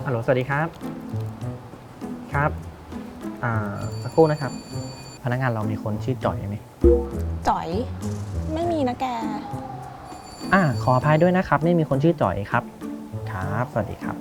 ฮัลโหลสวัสดีครับครับสักครู่นะครับพนักงานเรามีคนชื่อจ่อยไหมจ๋อยไม่มีนะแกขออภัยด้วยนะครับไม่มีคนชื่อจ่อยครับครับสวัสดีครับ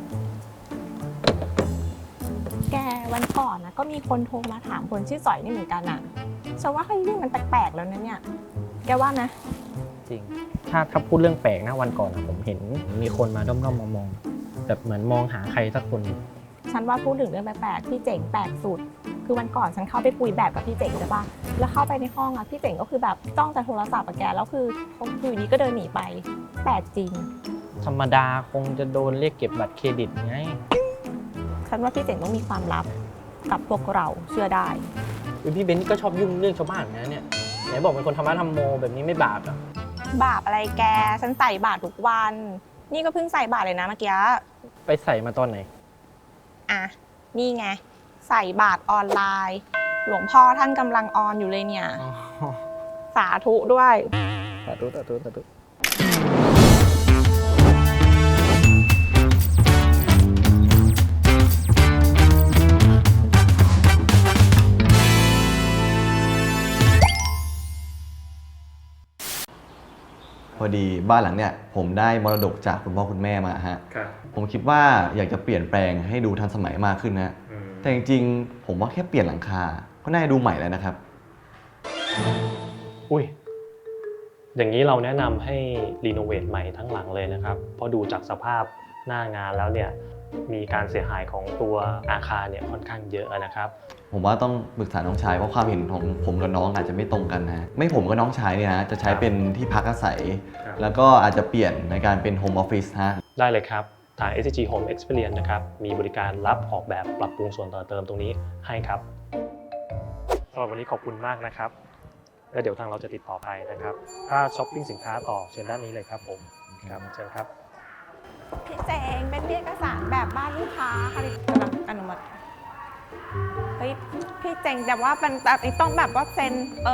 แกวันก่อนนะก็มีคนโทรมาถามคนชื่อจ๋อยนี่เหมือนกันอ่ะฉันว่าเฮ้ยมันแปลกๆแล้วนะเนี่ยแกว่านะจริงถ้าพูดเรื่องแปลกนะวันก่อนผมเห็นมีคนมาด้อมๆมองๆแบบเหมือนมองหาใครสักคนฉันว่าพูดถึงเรื่องแปลกๆพี่เจ๋งแปลกสุดคือวันก่อนฉันเข้าไปคุยแบบกับพี่เจ๋งใช่ปะแล้วเข้าไปในห้องอ่ะพี่เจ๋งก็คือแบบจ้องแต่โทรศัพท์กับแกแล้วคืออยู่นี้ก็เดินหนีไปแปลกจริงธรรมดาคงจะโดนเรียกเก็บบัตรเครดิตไงฉันว่าพี่เจ๋งต้องมีความลับกับพวกเราเชื่อได้พี่เบนซ์ก็ชอบยุ่งเรื่องชาวบ้านนะเนี่ยไหนบอกเป็นคนธรรมะธรรมโมแบบนี้ไม่บาปหรอบาปอะไรแกฉันใส่บาตรทุกวันนี่ก็เพิ่งใส่บาตรเลยนะเมื่อกี้ไปใส่มาตอนไหนนี่ไงใส่บาตรออนไลน์หลวงพ่อท่านกำลังออนอยู่เลยเนี่ยสาธุด้วยสาธุสาธุสาธุพอดีบ้านหลังเนี่ยผมได้มรดกจากคุณพ่อคุณแม่มาฮะผมคิดว่าอยากจะเปลี่ยนแปลงให้ดูทันสมัยมากขึ้นนะแต่จริงๆผมว่าแค่เปลี่ยนหลังคาก็น่าจะดูใหม่แล้วนะครับอุ้ยอย่างนี้เราแนะนำให้รีโนเวทใหม่ทั้งหลังเลยนะครับเพราะดูจากสภาพหน้างานแล้วเนี่ยมีการเสียหายของตัวอาคารเนี่ยค่อนข้างเยอะนะครับผมว่าต้องปรึกษาน้องชายเพราะความเห็นของผมกับน้องอาจจะไม่ตรงกันนะไม่ผมกับน้องชายเนี่ยนะจะใช้เป็นที่พักอาศัยแล้วก็อาจจะเปลี่ยนในการเป็นโฮมออฟฟิศฮะได้เลยครับทาง SCG Home Experience นะครับมีบริการรับออกแบบปรับปรุงส่วนต่อเติมตรงนี้ให้ครับสำหรับวันนี้ขอบคุณมากนะครับแล้วเดี๋ยวทางเราจะติดต่อไปนะครับถ้าช้อปปิ้งสินค้าต่อเชิญด้านนี้เลยครับผมครับเชิญครับพี่เจ๋งเป็นเอกสารแบบบ้านลูกค้าค่ะกำลังอนุมัติเฮ้ยพี่เจ๋งแต่ว่ามันต้องแบบว่าเซ็น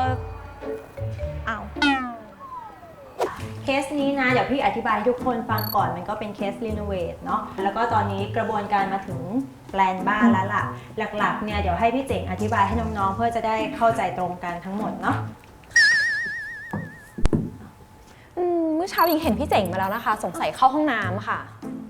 เคสนี้นะเดี๋ยวพี่อธิบายให้ทุกคนฟังก่อนมันก็เป็นเคสรีโนเวทเนาะแล้วก็ตอนนี้กระบวนการมาถึงแปลนบ้านแล้วล่ะหลักๆเนี่ยเดี๋ยวให้พี่เจ๋งอธิบายให้น้องๆเพื่อจะได้เข้าใจตรงกันทั้งหมดเนาะเมื่อเช้ายิงเห็นพี่เจ๋งมาแล้วนะคะสงสัยเข้าห้องน้ำค่ะ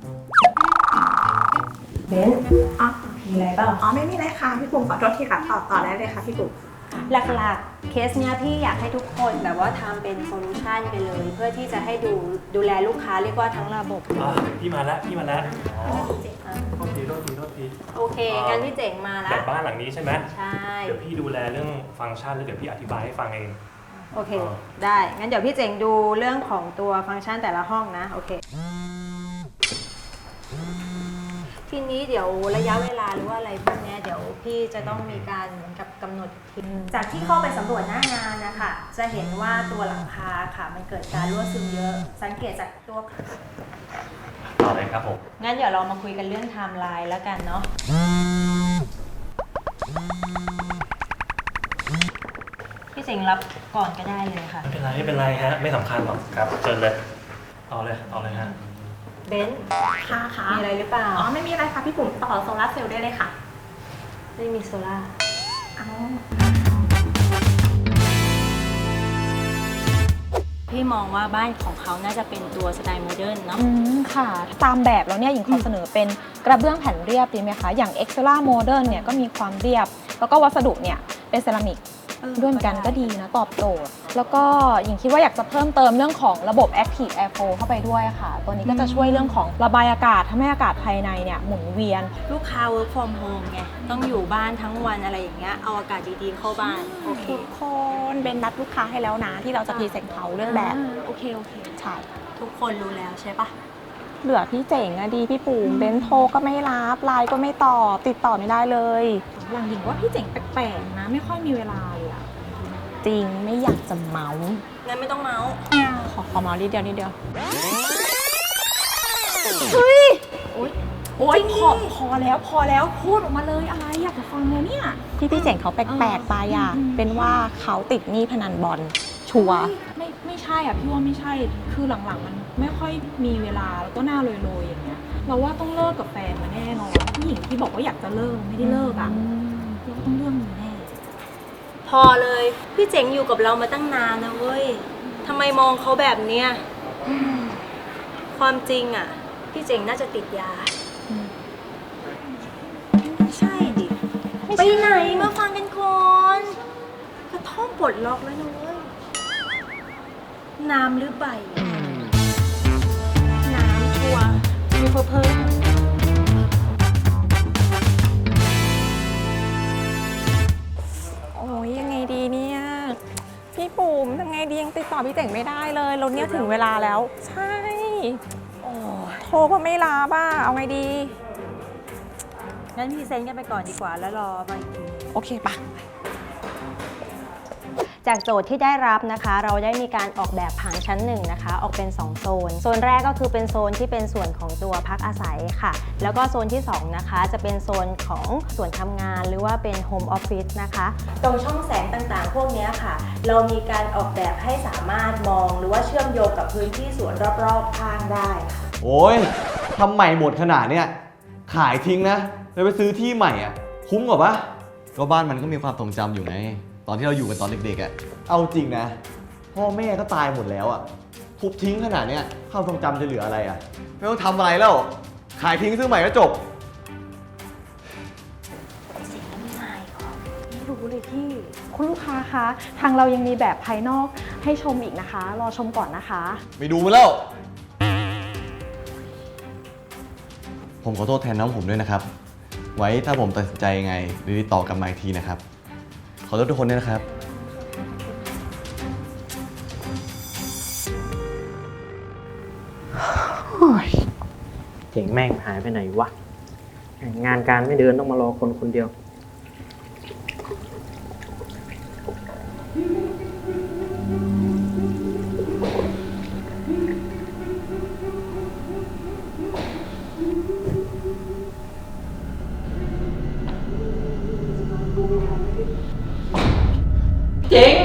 เบนมีอะไรเปล่าไม่มีอะไรค่ะพี่ปุ๋มขอโทษทีค่ะต่อได้เลยค่ะพี่ปุ๋มหลักๆเคสเนี้ยพี่อยากให้ทุกคนแบบว่าทำเป็นโซลูชันไปเลยเพื่อที่จะให้ดูแลลูกค้าเรียกว่าทั้งระบบพี่มาแล้วโทษทีโอเคงั้นพี่เจ๋งมาแล้วแบบบ้านหลังนี้ใช่ไหมใช่เดี๋ยวพี่ดูแลเรื่องฟังก์ชันแล้วเดี๋ยวพี่อธิบายให้ฟังเองโอเคได้งั้นเดี๋ยวพี่เจ๋งดูเรื่องของตัวฟังก์ชันแต่ละห้องนะโอเคทีนี้เดี๋ยวระยะเวลาหรือว่าอะไรพวกนี้เดี๋ยวพี่จะต้องมีการเหมือนกับกำหนดทีจากที่เข้าไปสำรวจหน้างานนะคะจะเห็นว่าตัวหลังคาค่ะมันเกิดการรั่วซึมเยอะสังเกตจากตัวต่อเลยครับผมงั้นเดี๋ยวเรามาคุยกันเรื่องไทม์ไลน์แล้วกันเนาะพี่เจ๋งรับก่อนก็ได้เลยค่ะไม่เป็นไรฮะไม่สำคัญหรอกครับเชิญเลยเอาเลยฮะเบนซ์ค่ะมีอะไรหรือเปล่าไม่มีอะไรค่ะพี่ปุ๋มต่อโซลาร์เซลล์ได้เลยค่ะไม่มีโซล่าพี่มองว่าบ้านของเขาน่าจะเป็นตัวสไตล์โมเดิร์นเนาะค่ะตามแบบแล้วเนี่ยหญิงขอเสนอเป็นกระเบื้องแผ่นเรียบดีไหมคะอย่าง Excella Modern เนี่ยก็มีความเรียบแล้วก็วัสดุเนี่ยเป็นเซรามิกด้วยเหมือนกันก็ดีนะตอบโจทย์แล้วก็หญิงคิดว่าอยากจะเพิ่มเติมเรื่องของระบบ Active Airflow เข้าไปด้วยค่ะตัวนี้ก็จะช่วยเรื่องของระบายอากาศทำให้อากาศภายในเนี่ยหมุนเวียนลูกค้า work from home ไงต้องอยู่บ้านทั้งวันอะไรอย่างเงี้ยเอาอากาศดีๆเข้าบ้านโอเคทุกคนเป็นนัดลูกค้าให้แล้วนะที่เราจะพรีเซนต์เขาเรื่องแบบโอเคใช่ทุกคนรู้แล้วใช่ปะเหลือพี่เจ๋งอะดีพี่ปู่เบนโทรก็ไม่รับไลน์ก็ไม่ตอบติดต่อไม่ได้เลยหลังหญิงว่าพี่เจ๋งแปลกๆนะไม่ค่อยมีเวลาเลยอะจริงไม่อยากจะเมาส์งั้นไม่ต้องเมาส์ขอเมาส์นิดเดียวเฮ้ยโอ๊ยพอแล้วพูดออกมาเลยอะไรอยากจะฟังเลยเนี่ยที่พี่เจ๋งเขาแปลกๆไปอ่ะเป็นว่าเขาติดหนี้พนันบอลชัวร์ไม่ใช่อ่ะพี่ว่าไม่ใช่ คือหลังๆมันไม่ค่อยมีเวลาแล้วก็หน้าโรยๆอย่างเงี้ย เราว่าต้องเลิกกับแฟนมาแน่นอนผู้หญิงที่บอกว่าอยากจะเลิกไม่ได้เลิกอ่ะเราต้องเรื่องนี้แน่พอเลยพี่เจ๋งอยู่กับเรามาตั้งนานนะเว้ยทำไมมองเขาแบบเนี้ยความจริงอ่ะพี่เจ๋งน่าจะติดยาไม่ใช่ดิไปไหนมาฟังกันก่อนกระท่อมปลดล็อกแล้วนะเว้ยน้ำหรือใบน้ำชัวร์มีเพิ่มโอ้ยยังไงดีเนี่ยพี่ปุ๋มทำไงดียังติดต่อพี่เจ๋งไม่ได้เลยรถเนี่ยถึงเวลาแล้ว ใช่โอ้ยโทรก็ไม่รับอ่ะเอาไงดีงั้นพรีเซนต์กันไปก่อนดีกว่าแล้วรอไปอีกทีโอเคปะจากโจทย์ที่ได้รับนะคะ เราได้มีการออกแบบผังชั้น1นะคะออกเป็น2โซนโซนแรกก็คือเป็นโซนที่เป็นส่วนของตัวพักอาศัยค่ะแล้วก็โซนที่2นะคะจะเป็นโซนของส่วนทำงานหรือว่าเป็นโฮมออฟฟิศนะคะตรงช่องแสงต่างๆพวกนี้ค่ะเรามีการออกแบบให้สามารถมองหรือว่าเชื่อมโยงกับพื้นที่สวนรอบๆข้างได้ค่ะโอ้ยทำใหม่หมดขนาดเนี้ยขายทิ้งนะแล้วไปซื้อที่ใหม่อ่ะคุ้มกว่าปะก็บ้านมันก็มีความทรงจำอยู่ไงตอนที่เราอยู่กันตอนเด็กๆอ่ะเอาจริงนะพ่อแม่ก็ตายหมดแล้วอ่ะทุบทิ้งขนาดเนี้ยความทรงจำจะเหลืออะไรอ่ะไม่ต้องทำอะไรแล้วขายทิ้งซื้อใหม่ก็จบคุณลูกค้าคะ ทางเรายังมีแบบภายนอกให้ชมอีกนะคะ รอชมก่อนนะคะไม่ดูมาแล้ว ผมขอโทษแทนน้องผมด้วยนะครับ ไว้ถ้าผมตัดสินใจยังไงหรือติดต่อกลับมาอีกทีนะครับ ขอโทษทุกคนด้วยนะครับเจ๋งแม่งหายไปไหนวะ งานการไม่เดินต้องมารอคนคนเดียว เจ๋ง